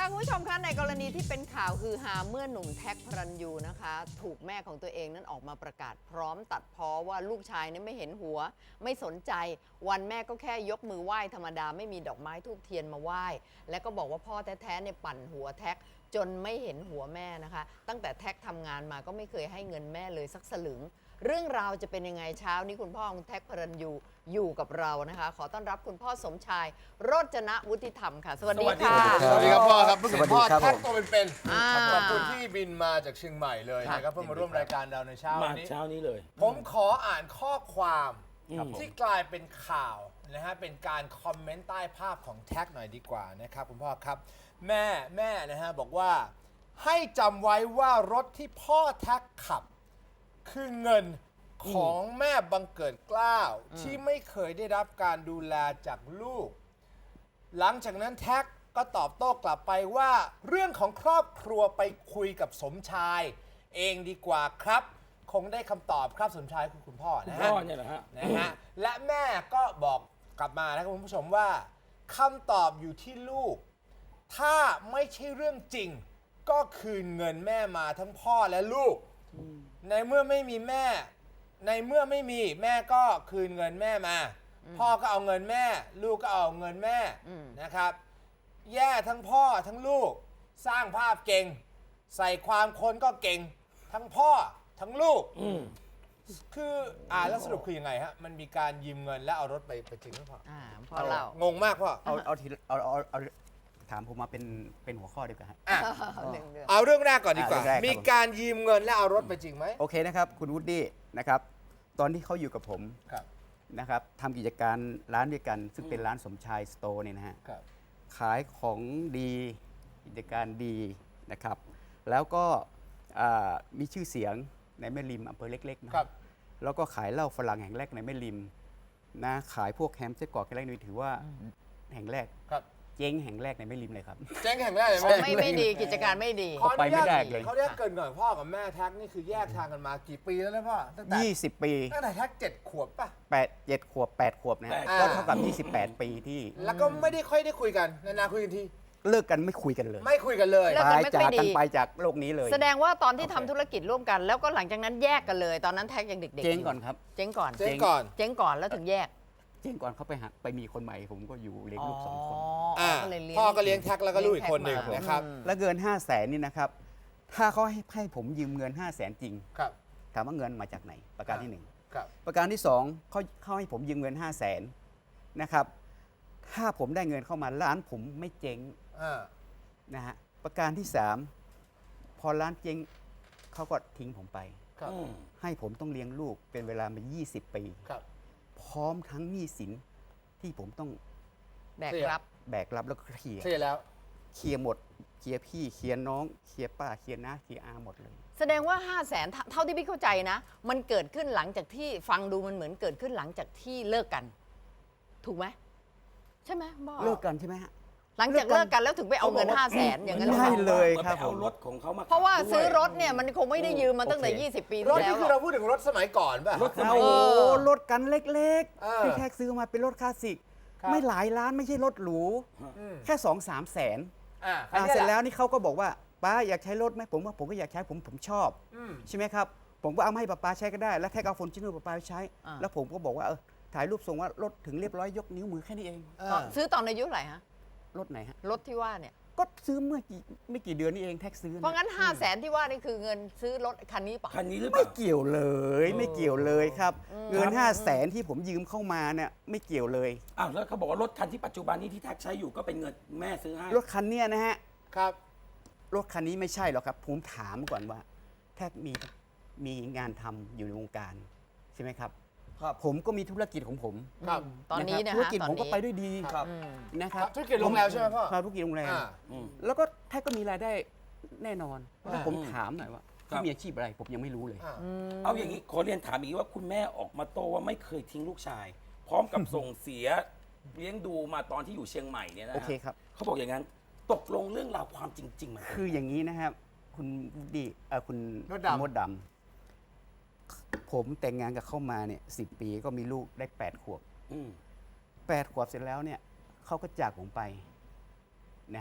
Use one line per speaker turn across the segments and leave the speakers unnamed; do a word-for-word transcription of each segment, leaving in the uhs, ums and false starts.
ค่ะคุณผู้ชมคะในกรณีที่เป็นข่าวฮือฮาเมื่อหนุ่มแท็กพระรัญยูนะคะถูกแม่ของตัวเองนั้นออกมาประกาศพร้อมตัดพ้อว่าลูกชายนั้นไม่เห็นหัวไม่สนใจวันแม่ก็แค่ยกมือไหว้ธรรมดาไม่มีดอกไม้ธูปเทียนมาไหว้และก็บอกว่าพ่อแท้ๆเนี่ยปั่นหัวแท็กจนไม่เห็นหัวแม่นะคะตั้งแต่แท็กทำงานมาก็ไม่เคยให้เงินแม่เลยสักสลึงเรื่องราวจะเป็นยังไงเช้านี้คุณพ่อของแท็กพระรัญยูอยู่กับเรานะคะขอต้อนรับคุณพ่อสมชายโรจนะวุฒิธรรมค่ะสวัสดีค่ะ
สวัสดีครับพ่อครับเพิ่งเห็นพ่อ
สวัสดีครับ
แท็กตัวเป็น
อ่า
ๆขอบคุณที่บินมาจากเชียงใหม่เลยนะครับเพื่อมาร่วมรายการเราในเช้า
มา
นี้
เช้านี้เลย
ผมขออ่านข้อความ
ครับผม
ที่กลายเป็นข่าวนะฮะเป็นการคอมเมนต์ใต้ภาพของแท็กหน่อยดีกว่านะครับคุณพ่อครับแม่แม่นะฮะบอกว่าให้จำไว้ว่ารถที่พ่อแท็กขับ คือเงินของแม่บังเกิดเกล้าที่ไม่เคยได้รับการดูแลจากลูก หลังจากนั้นแท็กก็ตอบโต้กลับไปว่าเรื่องของครอบครัวไปคุยกับสมชาย เองดีกว่าครับ คงได้คำตอบครับสมชายคือคุณพ่อ
คุณ
นะ
พ่
ฮะ
อเนี่ยเหรอฮะ
นะฮะและแม่ก็บอกกลับมานะครับคุณผู้ชมว่าคำตอบอยู่ที่ลูก ถ้าไม่ใช่เรื่องจริง ก็คืนเงินแม่มาทั้งพ่อและลูก ในเมื่อไม่มีแม่ ในเมื่อไม่มีแม่ก็คืนเงินแม่มา พ่อก็เอาเงินแม่ ลูกก็เอาเงินแม่นะครับ แย่ทั้งพ่อทั้งลูก สร้างภาพเก่ง ใส่ความคนก็เก่ง ทั้งพ่อทั้งลูก คืออ่าแล้วสรุปคือยังไงฮะ มันมีการยืมเงินแล้วเอารถไปไปจริงหรือเปล่า
อ่าพ่อเล่าง
งมากพ่อ
เอาเอาทีละเอาเอาเอาถามผมมาเป็นเป็นหัวข้อดีกว่าฮะ
อ่ะ
หนึ่งเดือน
เอาเรื่องแรกก่อนดีกว่า
อ่ะเรื่องแรกครับ
มีการยืมเงินแล้วเอารถไปจริงไหม
โอเคนะครับ คุณวูดดี้นะครับ ตอนที่เขาอยู่กับผม
ครับ
นะครับทำกิจการร้านด้วยกัน ซึ่งเป็นร้านสมชายสโตร์เนี่ยนะฮะ
ครับ
ขายของดีกิจการดีนะครับ แล้วก็อ่ามีชื่อเสียงในแม่ริมอำเภอเล็กๆนะครับ แล้วก็ขายเหล้าฝรั่งแห่งแรกในแม่ริมนะขายพวกแฮมไส้กรอกแห่งแรกนี่ถือว่าแห่งแรก
ครับ
เจ๊งแห่งแรกในแม่ริมเลยครับ
แจ้งแข่งแรกเลยไหม
ไม่ไม่ดีกิจการไม่ดี
ขออนุญาต
ไปไม่ได้เลย
เขาเรียกเกินก่อนพ่อกับแม่แท็กนี่คือแยกทางกันมากี่ปีแล้วนะพ่อตั้งแต่
ยี่สิบ ปี
ตั้งแต่แท็กเจ็ดขวบป่ะ
แปดเจ็ดขวบแปดขวบนะฮะ
แปด
ก็เท่ากับ ยี่สิบแปด ปีที่
แล้วก็ไม่ได้ค่อยได้คุยกันนานๆคุยกันที
เลิกกันไม่คุยกันเลย
ไม่คุยกันเลย
เลิก
ตาย
ไม่ค่
จา
อย
ก
ดี
กันไปจากโลกนี้เลย
แสดงว่าตอนที่
โอ
ทำ
เค
ธุรกิจร่วมกัน แล้วก็หลังจากนั้นแยกกันเลย ตอนนั้นแท็กยังเด็กๆ
เจ๊ง
ยู่
ก่อนครับ
เจ๊งก่อน
เจ๊งก่อน
เจ๊งก่อนแล้วถึงแยก
เจ๊งก่อนเขาไปหาไปมีคนใหม่ ผมก็อยู่เลี้ยงลูกสองคน
อ่า
ก็เลยเลี้ยง
พ่อก็เลี้ยงแท็กแล้วก็ลูกอีกคนหนึ่ง
เลี้ยงแท็กมา
นะครับ
อืม
แล้วเงิน ห้าแสนนี่นะครับ ถ้าเขาให้ให้ผมยืมเงิน ห้าแสนจริง
ครับ
ถามว่าเงินมาจากไหน ประการที่หนึ่ง
ครับ
ประการที่สองเขาเขาให้ผมยืมเงิน ห้าแสนนะครับ ถ้าผมได้เงินเข้ามาร้านผมไม่เจ๊ง
อ่า
นะฮะ ประการที่สามพอร้านเจ๊งเขาก็ทิ้งผมไป
ครับ
อืม
ให้ผมต้องเลี้ยงลูกเป็นเวลามา ยี่สิบ ปี
ครับ
พร้อมทั้งหนี้สินที่ผมต้อง
แบกรับ
แบกรับแล้วก็เคลียร์
เคลียร์แล้ว
เคลียร์หมดเคลียร์พี่เคลียร์น้องเคลียร์ป้าเคลียร์น้าเคลียร์อาหมดเลย
แสดงว่า 5 0 0แสนเท่าที่พี่เข้าใจนะ มันเกิดขึ้นหลังจากที่ฟังดูมันเหมือนเกิดขึ้นหลังจากที่เลิกกัน ถูกไหมใช่ไหมพ่อ
เลิกกันใช่ไหมฮะ
หลังจากเลิกกันแล้วถึงไปเอาเงิน 5 0 0แสนอย่างนั้นหรือเป
ใช่
ล่า
เลย
มัน
ครับ
ไปเอา
ผม
รถของเขามา
เพราะว่า
ขับด้วย
ซื้อรถเนี่ยมันคงไม่ได้ยืมมาตั้งแต่
โอเค
ยี่สิบ ปี
ร
ที่
ถ
แล้
นี่
ว
คือเราพูดถึงรถสมัยก่อนป่ะ
รถสมั
โอ้
ย
โห
เออ
รถกันเล็ก
เออ
ๆที่แท็กซื้อมาเป็นรถคลาสสิก
ครับ
ไม่หลายล้านไม่ใช่รถหรู
อืม
แค่สองสามแสน
อ่า
อ่า
คันนี้
เสร็จ
หะ
แล้วนี่เขาก็บอกว่าป้าอยากใช้รถไหมผมว่าผมก็อยากใช้ผมผมชอบ
อืม
ใช่ไหมครับ ผมก็เอามาให้ป้าป้าใช้ก็ได้ แล้วแท็กเอาฟอร์จูเนอร์ป้าป้าไปใช้
อ่า
แล้วผมก็บอกว่าเออถ่ายรูปส่งว่ารถถึงเรียบร้อยยกนิ้วมือแค่นี้เอง
ตอนซื้อตอนอายุเท่าไหร่ฮะ
รถไหนฮะ
รถที่ว่าเนี่ย
ก็ซื้อเมื่อกี่ไม่กี่เดือนนี่เองแท็กซื้อ
เพราะงั้น 5 0 0แสนที่ว่านี่คือเงินซื้อรถคันนี้ป่ะ
คันนี้หรือเป
ไม่
ล่า
เกี่ยวเลยไม่เกี่ยวเลยครับ เงิน
ครับ
ห้าแสนที่ผมยืมเข้ามาเนี่ยไม่เกี่ยวเลย
อ้าวแล้วเขาบอกว่ารถคันที่ปัจจุบันนี้ที่แท็กใช้อยู่ก็เป็นเงินแม่ซื้อให้
รถคันเนี้ยนะฮะ
ครับ
รถคันนี้ไม่ใช่หรอกครับ ผมถามก่อนว่าแท็กมีมีงานทำอยู่ในวงการใช่ไหมครับ
ครับ
ผมก็มีธุรกิจของผม
ครับ
ตอนนี้
ะ
นะ
ครับธุร
ฮะ
กิจ
ตอน
ผมก็
นี้
ไปด้วยดี
ครับ
อืม
นะครับ
ธุรกิจโรงแรมใช่ไหมพ่อ
ครับธุรกิจโรงแรม
อ่า
อืม
แล้วก็แท็กก็มีรายได้แน่นอน
อ่า
แล้วผมถามหน่อยว่า
ครับ
เขามีอาชีพอะไรผมยังไม่รู้เลย
อ่า
เอาอย่างนี้ขอเรียนถามอีกว่าคุณแม่ออกมาโต้ว่าไม่เคยทิ้งลูกชาย พร้อมกับส่งเสียเลี้ยงดูมาตอนที่อยู่เชียงใหม่เนี่ยนะ
โอ
ฮะ
เคครับ
เขาบอกอย่างนั้นตกลงเรื่องราวความจริงๆมันเป็น
คืออย่างนี้นะครับ คุณดีเอ่อคุณ
มดดำ
มดดำผมแต่งงานกับเข้ามาเนี่ยสิบปีก็มีลูกได้แปดขวบ
อืม
แปดขวบเสร็จแล้วเนี่ยเขาก็จากผมไปนะฮะ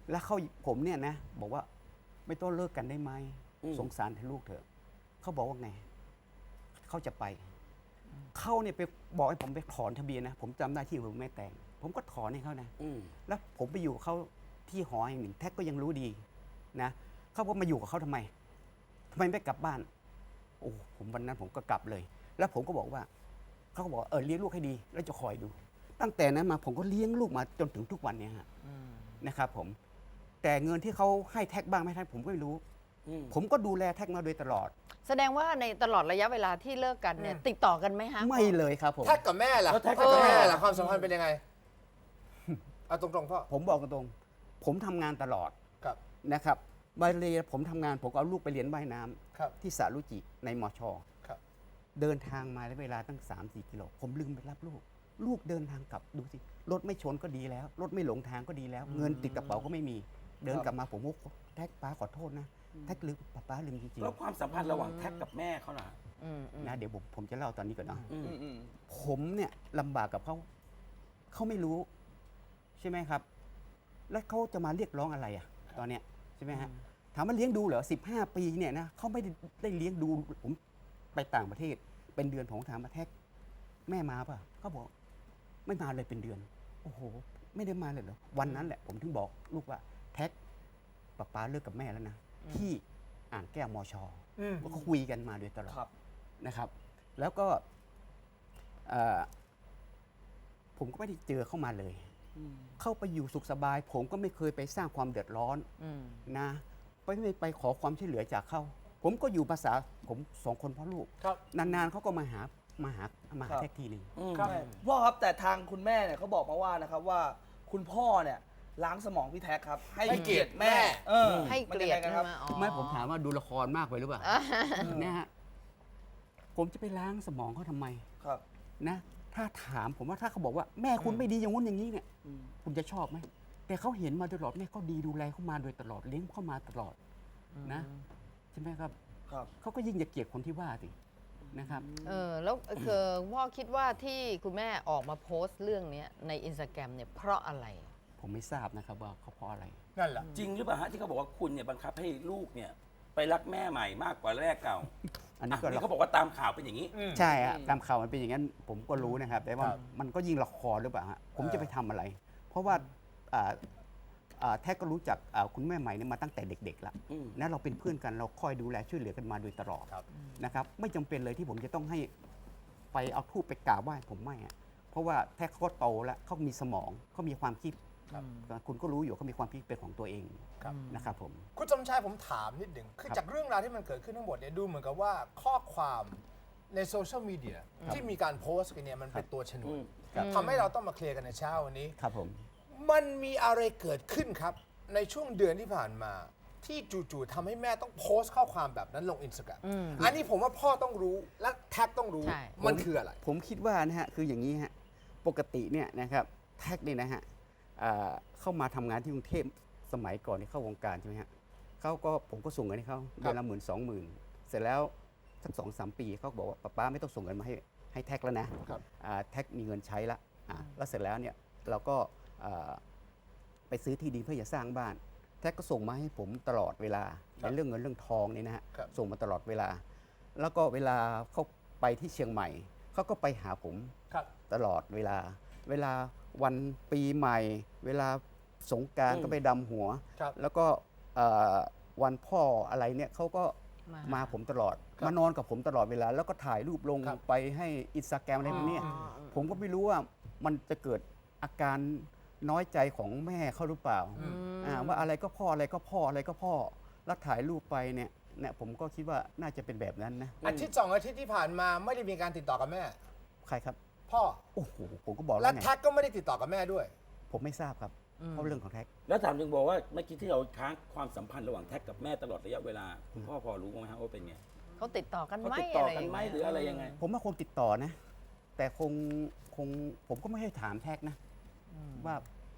แล้วเขาผมเนี่ยนะบอกว่าไม่ต้องเลิกกันได้ไหม
อืม
สงสารแต่ลูกเถอะเขาบอกว่าไงเขาจะไปเขาเนี่ยไปบอกให้ผมไปถอนทะเบียนนะผมจำได้ที่ผมไม่แต่ง ผมก็ถอนให้เขานะ
อืม
แล้วผมไปอยู่กับเขาที่หอแห่งหนึ่งแท็กก็ยังรู้ดีนะเขาบอกมาอยู่กับเขาทำไมทำไมไม่กลับบ้านโอ้ผมวันนั้นผมก็กลับเลย แล้วผมก็บอกว่าเขาก็บอกเออเลี้ยงลูกให้ดี แล้วจะคอยดู ตั้งแต่นั้นมาผมก็เลี้ยงลูกมาจนถึงทุกวันเนี้ฮะนะครับผมแต่เงินที่เขาให้แท็กบ้างไหมแท็กผมก็ไม่รู้
อืม
ผมก็ดูแลแท็กมาโดยตลอด
แสดงว่าในตลอดระยะเวลาที่เลิกกันเนี่ย
อืม
ติดต่อกันไหมฮะ
ไม่เลยครับผม
แท็กกับแม่ล่ะ
แล้วแท็ก
แท็กกับแม่
เออ
ล่ะความสัมพันธ์เป็นยังไงเอาตรงๆพ่อ
ผมบอกตรงๆผมทำงานตลอด
ครับ
นะครับใบเรียผมทำงานผมก็เอาลูกไปเรียนว่ายน้ำ
ครับ
ที่สระลุจิในมอชอ
ครับ
เดินทางมาแล้วเวลาตั้ง สามสี่ กิโล ผมลืมไปรับลูก ลูกเดินทางกลับดูสิ รถไม่ชนก็ดีแล้ว รถไม่หลงทางก็ดีแล้ว เงินติดกระเป๋าก็ไม่มี เดินกลับมาผมว่าแท็กป้าขอโทษนะ แท็กลืมป้าป้าลืมจริง
แล้วความสัมพันธ์ระหว่างแท็กกับแม่เขาล่ะ
อืมอืม
ๆนะเดี๋ยวผมผมจะเล่าตอนนี้ก่อนนะ
อืม
อืม
ผมเนี่ยลำบากกับเขา เขาไม่รู้ ใช่ไหมครับ แล้วเขาจะมาเรียกร้องอะไรอ่ะ ตอนเนี้ยใช่ไหมฮะ ถามว่าเลี้ยงดูเหรอสิบห้าปีเนี่ยนะเขาไม่ได้ได้เลี้ยงดูผมไปต่างประเทศ เป็นเดือนผมถามมาแท็กแม่มาป่ะเขาบอกไม่มาเลยเป็นเดือน โอ้โห ไม่ได้มาเลยเหรอวันนั้นแหละ ผมถึงบอกลูกว่าแท็กป๊าป๊าเลิกกับแม่แล้วนะที่อ่างแก้วมอชอ
อืม
ก็คุยกันมาโดยตลอด
ครับ
นะครับ แล้วก็เอ่อผมก็ไม่ได้เจอเข้ามาเลย เข้าไปอยู่สุขสบาย ผมก็ไม่เคยไปสร้างความเดือดร้อน
อืม
นะไปไม่ไปขอความช่วยเหลือจากเขา ผมก็อยู่ภาษาผมสองคนพ่อลูก
ครับ
นานๆเขาก็มาหามาหามาหา
ครับ
แท็กทีหนึง
อืม
ครับ
ใช่พ่อครับแต่ทางคุณแม่เนี่ยเขาบอกมาว่านะครับว่าคุณพ่อเนี่ยล้างสมองพี่แท็กครับ ให้
ให้เกียรติแม่
เออ
ให้
มัน
เกลี
ง
ย
ไง
ด
กัน
ใช่
ครับ
ไหมอ๋อ
ไม่ผมถามว่าดูละครมากไปหรือเปล่านะฮะผมจะไปล้างสมองเขาทำไม
ครับ
นะถ้าถามผมว่าถ้าเขาบอกว่าแม่คุณไม่ดีอย่างงู้นอย่างนี้เนี่ย
อืม
คุณจะชอบไหมแต่เขาเห็นมาตลอดแม่เขาดีดูแลเขามาโดยตลอดเลี้ยงเขามาตลอดนะใช่ไหมครับ
ครับ
เขาก็ยิ่งจะเกลียดคนที่ว่าสินะครับ
เออแล้วคือพ่อคิดว่าที่คุณแม่ออกมาโพสต์เรื่องเนี้ยในอินสตาแกรมเนี่ยเพราะอะไร
ผมไม่ทราบนะครับว่าเขาเพราะอะไร
นั่นแหละ
จริงหรือเปล่าฮะที่เขาบอกว่าคุณเนี่ยบังคับให้ลูกเนี่ย ไปรักแม่ใหม่มากกว่าแรกเก่า
อันนี้
อ่ะ
ก็
นี่เขาบอกว่าตามข่าวเป็นอย่างนี้
อืม
ใช่ฮะตามข่าวมันเป็นอย่างนั้น ผมก็รู้นะครับ แต่ว่า
ครับ
มันก็ยิ่งละครหรือเปล่าฮะผม
เออ
จะไปทำอะไร เพราะว่าอ่าอ่าแท็กก็รู้จักอ่าคุณแม่ใหม่เนี่ยมาตั้งแต่เด็กๆแล้ว
อืม
นะเราเป็นเพื่อนกันเราคอยดูแลช่วยเหลือกันมาโดยตลอด
ครับ
นะครับไม่จำเป็นเลยที่ผมจะต้องให้ไปเอาทูบไปกราบไหว้ผมไม่อะเพราะว่าแท็กเขาก็โตแล้วเขามีสมองเขามีความคิด
ครับ
คุณก็รู้อยู่เขามีความคิดเป็นของตัวเอง
ครับ
นะครับผม
คุณสมชายผมถามนิดหนึ่งคือ
ครับ
จากเรื่องราวที่มันเกิดขึ้นทั้งหมดเนี่ยดูเหมือนกับว่าข้อความในโซเชียลมีเดียที่มีการโพสต์กันเนี่ยมันเป็นตัวชนว
อื
น
ม
ครับ
ทำให้เราต้องมาเคลียร์กันในเช้าวันนี้
ครับผม
มันมีอะไรเกิดขึ้นครับ ในช่วงเดือนที่ผ่านมา ที่จู่ๆทำให้แม่ต้องโพสต์ข้อความแบบนั้นลงอินสตาแกรม
อืม
อันนี้ผมว่าพ่อต้องรู้และแท็กต้องรู้
ใช่
มันคืออะไร
ผมคิดว่านะฮะคืออย่างนี้ฮะปกติเนี่ยนะครับแท็กเนี่ยนะฮะอ่าเข้ามาทำงานที่กรุงเทพสมัยก่อนที่เข้าวงการใช่ไหมฮะเขาก็ผมก็ส่งเงินให้เขาเดือนละหมื่นสองหมื่นเสร็จแล้วสักสองสามปีเขาบอกว่าป้าป้าไม่ต้องส่งเงินมาให้ให้แท็กแล้วนะครับ อ่าแท็กมีเงินใช้ละอ่าแล้วเสร็จแล้วเนี่ยเราก็อ่าไปซื้อที่ดินเพื่อจะสร้างบ้าน แท็กก็ส่งมาให้ผมตลอดเวลา
ครับ
ในเรื่องเงินเรื่องทองเนี่ยนะฮะ
ครับ
ส่งมาตลอดเวลา แล้วก็เวลาเขาไปที่เชียงใหม่เขาก็ไปหาผม
ครับ
ตลอดเวลา เวลาวันปีใหม่ เวลาสงกราร
อืม
ก็ไปดำหัว
ครับ
แล้วก็เอ่อวันพ่ออะไรเนี่ยเขาก็
มา
มาผมตลอด
ครับ
มานอนกับผมตลอดเวลา แล้วก็ถ่ายรูปลง
ครับ
ไปให้อินสตาแกรมอะไรพวกเนี้ย
อ๋อ
ผมก็ไม่รู้ว่ามันจะเกิดอาการน้อยใจของแม่เขาหรือเปล่า
อืม
อ่าว่าอะไรก็พ่ออะไรก็พ่ออะไรก็พ่อ แล้วถ่ายรูปไปเนี่ยเนี่ยผมก็คิดว่าน่าจะเป็นแบบนั้นนะ
อาทิตย์สองอาทิตย์ที่ผ่านมาไม่ได้มีการติดต่อกับแม่
ใครครับ
พ่อ
โอ้โหผมก็บอก
และ
แล้วไง
แท็กก็ไม่ได้ติดต่อกับแม่ด้วย
ผมไม่ทราบครับเพราะเรื่องของแท็ก
แล้วถามถึงบอกว่าเมื่อกี้ที่เราค้างความสัมพันธ์ระหว่างแท็กกับแม่ตลอดระยะเวลาคุณพ่อพอรู้ไหมฮะว่าเป็นไง
เขาติดต่อกัน
เขา
ไหม
ติดต่อ
อะไร
กันไหม
ย่าง
หรืออะไรยังไง
ผมว่าคงติดต่อนะ แต่คงคงผมก็ไม่ให้ถามแท็กนะ ว่า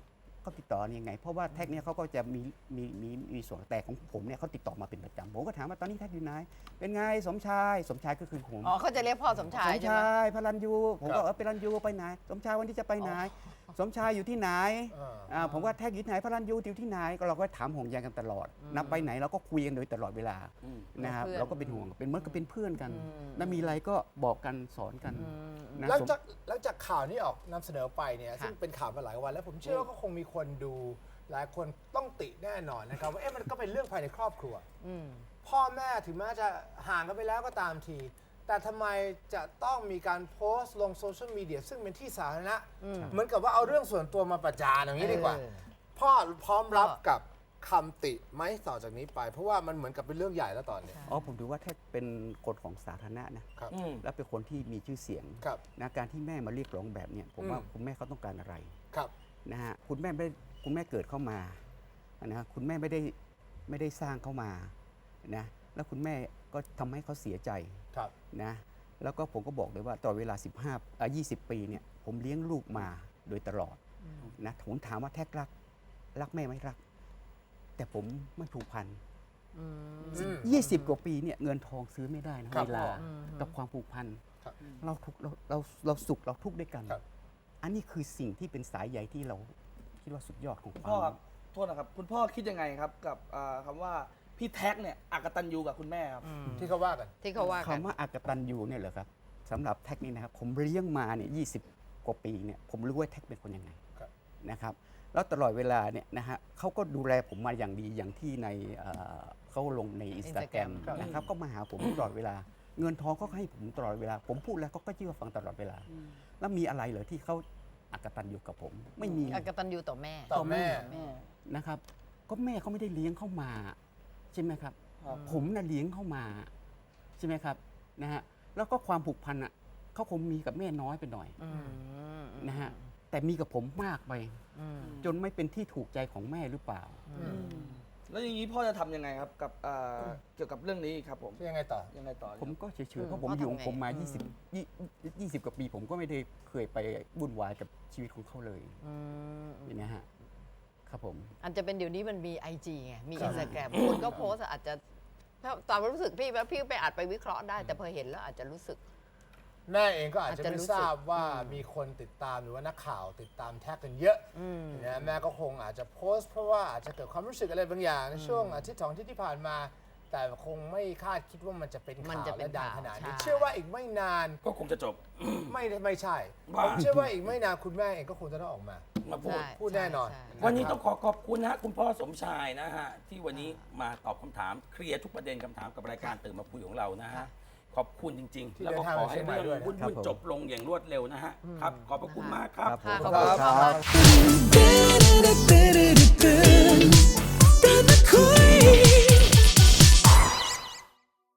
เขาติดต่อยังไง เพราะว่าแท็กเนี่ยเขาก็จะมีมีมีมีส่วนแต่ของผมเนี่ยเขาติดต่อมาเป็นประจำผมก็ถามว่าตอนนี้แท็กอยู่ไหนเป็นไงสมชายสมชายก็คือผม
อ๋อเขาจะเรียกพ่อสมชาย
สม
ใช่ไหม
ชายพลันยูผม
ครั
ก็
บ
เออพลันยูไปไหนสมชายวันที่จะไปไหน สมชายอยู่ที่ไหน
อ่า
อ่าผมว่าแท็กอยู่ที่ไหนพลันยูอยู่ที่ไหนก็เราก็ถามห่วงใยกันตลอดนับไปไหนเราก็คุยกันโดยตลอดเวลา
อืม
นะครับ
เพื่อน
เราก็เป็นห่วงเป็นเหมื่อนกับเป็นเพื่อนกัน
อืม
แล้วมีอะไรก็บอกกันสอนกันนะ
หลัง
สม
จากหลังจากข่าวนี้ออกนำเสนอไปเนี่ย
ค่ะ
ซึ่งเป็นข่าวมาหลายวัน แล้วผมเชื่อว่าก็คงมีคนดูหลายคนต้องติแน่นอนนะครับว่าเอ๊ะมันก็เป็นเรื่องภายในครอบครัว
อืม
พ่อแม่ถึงแม้จะห่างกันไปแล้วก็ตามที แต่ทำไมจะต้องมีการโพสต์ลงโซเชียลมีเดียซึ่งเป็นที่สาธารณะ
อืม
เหมือนกับว่าเอาเรื่องส่วนตัวมาประจานอย่างนี้ดีกว่า
เออ
พ่อพร้อมรับ
พ่อ
กับคำติไหมต่อจากนี้ไป เพราะว่ามันเหมือนกับเป็นเรื่องใหญ่แล้วตอนนี้
อ๋อผมดูว่าแท็กเป็นคนของสาธารณะนะครับ
อืม
และเป็นคนที่มีชื่อเสียง
ครับ
นะการที่แม่มาเรียกร้องแบบเนี้ยผมว่า
อืม
คุณแม่เขาต้องการอะไร
ครับ
นะฮะคุณแม่ไม่คุณแม่เกิดเข้ามานะฮะคุณแม่ไม่ได้ไม่ได้สร้างเข้ามานะแล้วคุณแม่ก็ทำให้เขาเสียใจ
ครับ
นะแล้วก็ผมก็บอกเลยว่าตลอดเวลา สิบห้าอ่ะยี่สิบ ปีเนี่ยผมเลี้ยงลูกมาโดยตลอดนะผมถามว่าแท็กรักรักแม่ไหมรัก แต่ผมไม่ผูกพัน
อืม
อืม
ยี่สิบ กว่าปีเนี่ยเงินทองซื้อไม่ได้นะครับ เวลา
อืม
กับความผูกพัน
ครับ
เราทุกข์เราเราเราสุขเราทุกข์ด้วยกัน
ครับ
อันนี้คือสิ่งที่เป็นสายใยที่เราคิดว่าสุดยอดของ
คุณ
ควา
พ่อ
ม
ครับโทษนะครับ คุณพ่อคิดยังไงครับกับอ่าคำว่าพี่แท็กเนี่ยอักตันยูกับคุณแม่ครับ
ที่เขาว่ากัน
ที่เขาว่ากัน
คำว่าอากตันยูเนี่ยเหรอครับสำหรับแท็กนี่นะครับผมเลี้ยงมาเนี่ยยีกว่าปีเนี่ยผมรู้ว่าแท็กเป็นคนยังไง
ครับ
นะครับแล้วตลอดเวลาเนี่ยนะฮะเขาก็ดูแลผมมาอย่างดีอย่างที่ในเอ่อเขาลงในอินสตาแกรม
Instagram
นะครับก็มาหาผมตลอดเวลา เงินทองก็ให้ผมตลอดเวลา ผมพูดแล้วก็ก็เชื่อฟังตลอดเวลา แล้วมีอะไรเหรอที่เขาอากตันยูกับผมไม่มี
อกตันยูต่อแม่
ต่อแม่
นะครับก็แม่เขาไม่ได้เลี้ยงเข้ามาใช่ไหมครับ
ครับ
ผมน่ะเลี้ยงเข้ามาใช่ไหมครับนะฮะแล้วก็ความผูกพันอ่ะเขาคงมีกับแม่น้อยไปหน่อย
อืม
นะฮะแต่มีกับผมมากไป
อืม
จนไม่เป็นที่ถูกใจของแม่หรือเปล่า
แล้วอย่างนี้พ่อจะทำยังไงครับกับอ่าเกี่ยวกับเรื่องนี้ครับผม
ยังไงต่อ
ยังไงต่อ
ผมก็เฉย
อืม
ๆเพราะผม
พ่อ
อยู่ของ
ทำไง
ผมมา
อืม
ยี่สิบยี่ยี่สิบกว่าปี ผมก็ไม่ได้เคยไปวุ่นวายกับชีวิตของเขาเลย
อืม
อย่างนี้ยฮะครับผม
อาจจะเป็นเดี๋ยวนี้มันมี ไอ จี ไง มี
ครับ
อินสตาแกรมคนก็โพสต์อาจจะถ้าตามรู้สึกพี่ว่าพี่ไปอาจไปวิเคราะห์ได้ แต่พอเห็นแล้วอาจจะรู้สึก
แม่เองก็อาจจะ
อาจจะ
ไม่
รู้สึก
ทราบว่า
อืม
มีคนติดตามหรือว่านักข่าวติดตามแท็กกันเยอะ
อืม
นะแม่ก็คงอาจจะโพสต์เพราะว่าอาจจะเกิดความรู้สึกอะไรบางอย่างในช่วงอาทิตย์สองอาทิตย์ที่ผ่านมา แต่คงไม่คาดคิดว่ามันจะเป็น
มัน
ข่าว
จะเป็น
และดัง
ข่าว
ขนาดนี้
ใช่
เชื่อว่าอีกไม่นาน
ก็คงจะจบ
ไม่ไม่ใช่
ว่า
ผมเชื่อว่าอีกไม่นานคุณแม่เองก็คงจะต้องออกมา
มาพูด
ใช่
พูดแน่นอน
ใช่ใช่
วันนี้ต้องขอขอบคุณนะฮะคุณพ่อสมชายนะฮะที่วันนี้มาตอบคำถามเคลียร์ทุกประเด็นคำถามกับรายการตื่นมาคุยของเรานะฮะขอบคุณจริง
ที่
ๆ แล้วก็
เดินทาง
ขอ
มา
ให้
เชียงใหม่
เรื่อง
ด้วยนะ
วุ่น
ครับ
ๆ
ผม
จบลงอย่างรวดเร็วนะฮะครับขอบพระคุณมากครับ
ครับผม
ค่ะขอบคุณพ่อมาก
ครับ